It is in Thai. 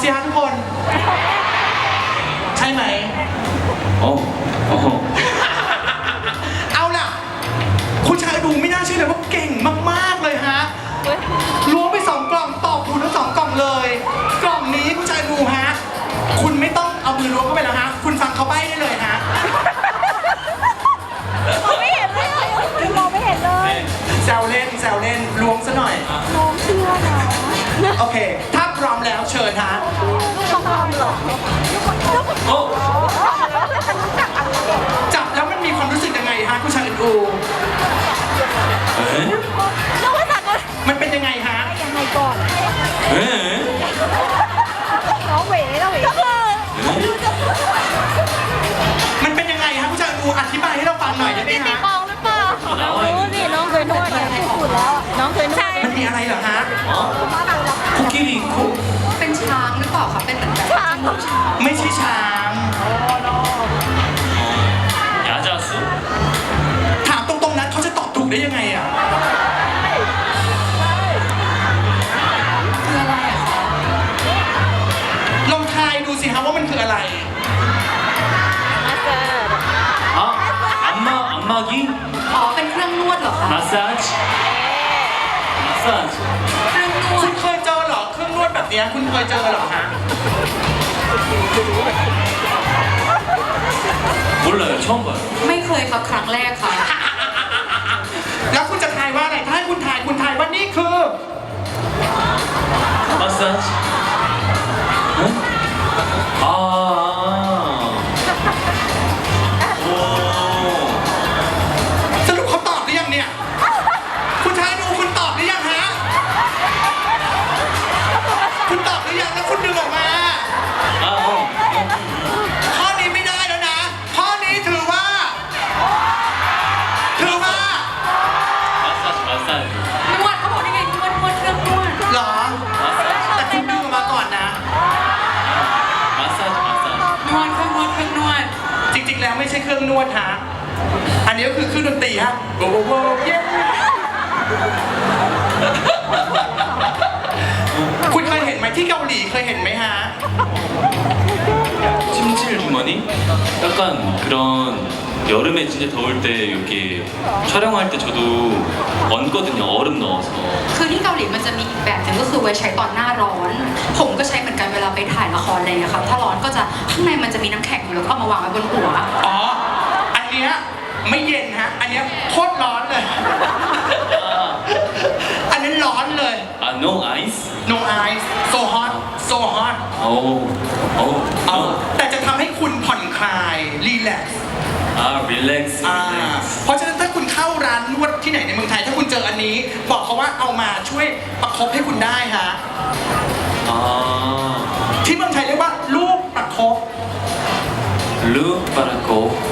สิฮะทุกคนใช่ไหมเอาล่ะคุณชายดูไม่น่าเชื่อเลยว่าเก่งมากๆเลยฮะล้วงไป2 กล่องตอบถูกทั้ง2 กล่องเลยกล่องนี้คุณชายดูฮะคุณไม่ต้องเอามือล้วงเข้าไปแล้วฮะคุณฟังเขาใบ้ได้เลยฮะมองไม่เห็นเลยมองไม่เห็นเลยแซวเล่นล้วงซะหน่อยน้องเชื่อนะโอเคถ้าพร้อมแล้วเชิญฮะลูกคำเหรอจับแล้วมันมีความรู้สึกยังไงฮะคุณชายอูมันเป็นยังไงฮะยังไงก่อนน้องเหวก็คือมันเป็นยังไงฮะคุณชายอูอธิบายให้เราฟังหน่อยได้ไหมฮะมองหรือเปล่ารู้สิน้องเคยนวดสุดแล้วน้องเคยนวดมันมีอะไรเหรอฮะคุกกี้ลิงคุกเป็นช้างหรือเปล่าคะเป็นเหมือนแบบช้างไม่ใช่ช้างยาจาสุถามตรงๆนั้นเขาจะตอบถูกได้ยังไงอ่ะคืออะไรอะคะลองทายดูสิฮะว่ามันคืออะไร 안마기 อ๋อเป็นเครื่องนวดเหรอคะ 마사지 마사지 เครื่องนวคุดณเคยเจอเหรอเครื่องนวดแบบนี้คุณเคยเจอเหรอฮะ 몰라요 처음 봐요 ไม่เคยค่ะครั้งแรกค่ะแล้วคุณจะทายว่าอะไรถ้าให้คุณทายว่านี่คือ 마사지 응? 아 오. สรุปเขาตอบหรือยังเนี่ยคุณชายดูคุณตอบหรือยังฮะคุณตอบหรือยังแล้วคุณดึงออกมาข้อนี้ไม่ได้แล้วนะข้อนี้ถือว่า 마사지 마사지 นวดเขาบอกได้ไงนวดเครื่องนวดหรอแต่คุณดึงออกมาก่อนนะ 마사지 마사지 นวดเครื่องนวดจริงๆแล้วไม่ใช่เครื่องนวดฮะอันนี้ก็คือเครื่องดนตรีฮะโว้โว้เย้คุณเคยเห็นไหมที่เกาหลีเคยเห็นไหมฮะ 찜질 주머니? 약간 그런 여름에 진짜 더울 때 이렇게 촬영할 때 저도 얹거든요 얼음 넣어서 คือที่เกาหลีมันจะมีอีกแบบหนึงก็คือไว้ใช้ตอนหน้าร้อน ผมก็ใช้เหมือนกันเวลาไปถ่ายละครอะไรอย่างเงี้ยครับถ้าร้อนก็จะข้างในมันจะมีน้ำแข็งอยู่แล้วก็เอามาวางไว้บนหัวอ๋ออันเนี้ยไม่เย็นฮะอันเนี้ยโคตรร้อนเลย อันนั้นร้อนเลย 아 no ice? no ice so hot so hot 오 แต่จะทำให้คุณผ่อนคลายรีแลกซ์ 아 릴렉스 เพราะฉะนั้นถ้าคุณเข้าร้านนวดที่ไหนในเมืองไทยถ้าคุณเจออันนี้บอกเขาว่าเอามาช่วยประคบให้คุณได้ฮะ 아 ที่เมืองไทยเรียกว่าลูกประคบ 루바라코